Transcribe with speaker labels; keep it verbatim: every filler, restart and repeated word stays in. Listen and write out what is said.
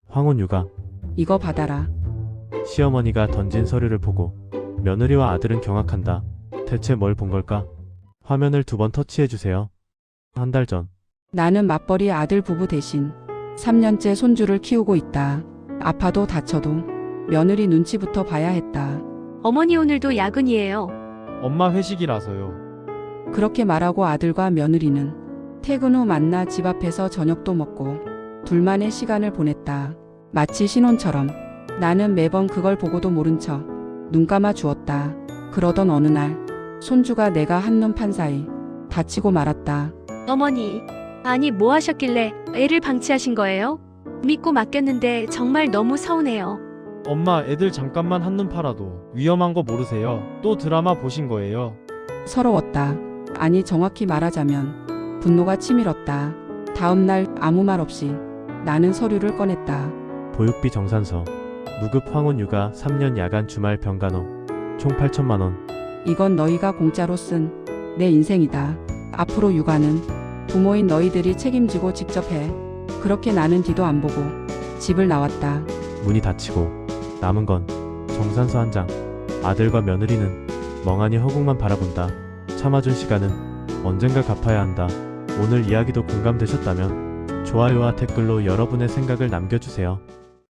Speaker 1: 황혼 육아.
Speaker 2: 이거 받아라.
Speaker 1: 시어머니가 던진 서류를 보고 며느리와 아들은 경악한다. 대체 뭘 본 걸까? 화면을 두 번 터치해주세요. 한 달 전.
Speaker 2: 나는 맞벌이 아들 부부 대신 삼 년째 손주를 키우고 있다. 아파도 다쳐도 며느리 눈치부터 봐야 했다.
Speaker 3: 어머니 오늘도 야근이에요.
Speaker 4: 엄마 회식이라서요.
Speaker 2: 그렇게 말하고 아들과 며느리는 퇴근 후 만나 집 앞에서 저녁도 먹고 둘만의 시간을 보냈다. 마치 신혼처럼. 나는 매번 그걸 보고도 모른 척 눈 감아 주었다. 그러던 어느 날 손주가 내가 한눈 판 사이 다치고 말았다.
Speaker 3: 어머니, 아니 뭐 하셨길래 애를 방치하신 거예요? 믿고 맡겼는데 정말 너무 서운해요.
Speaker 4: 엄마 애들 잠깐만 한눈 팔아도 위험한 거 모르세요? 또 드라마 보신 거예요?
Speaker 2: 서러웠다. 아니 정확히 말하자면 분노가 치밀었다. 다음 날 아무 말 없이 나는 서류를 꺼냈다.
Speaker 1: 보육비 정산서. 무급 황혼 육아 삼 년 야간 주말 병간호. 총 팔천만 원.
Speaker 2: 이건 너희가 공짜로 쓴 내 인생이다. 앞으로 육아는 부모인 너희들이 책임지고 직접 해. 그렇게 나는 뒤도 안 보고 집을 나왔다.
Speaker 1: 문이 닫히고 남은 건 정산서 한 장. 아들과 며느리는 멍하니 허공만 바라본다. 참아준 시간은 언젠가 갚아야 한다. 오늘 이야기도 공감되셨다면 좋아요와 댓글로 여러분의 생각을 남겨주세요.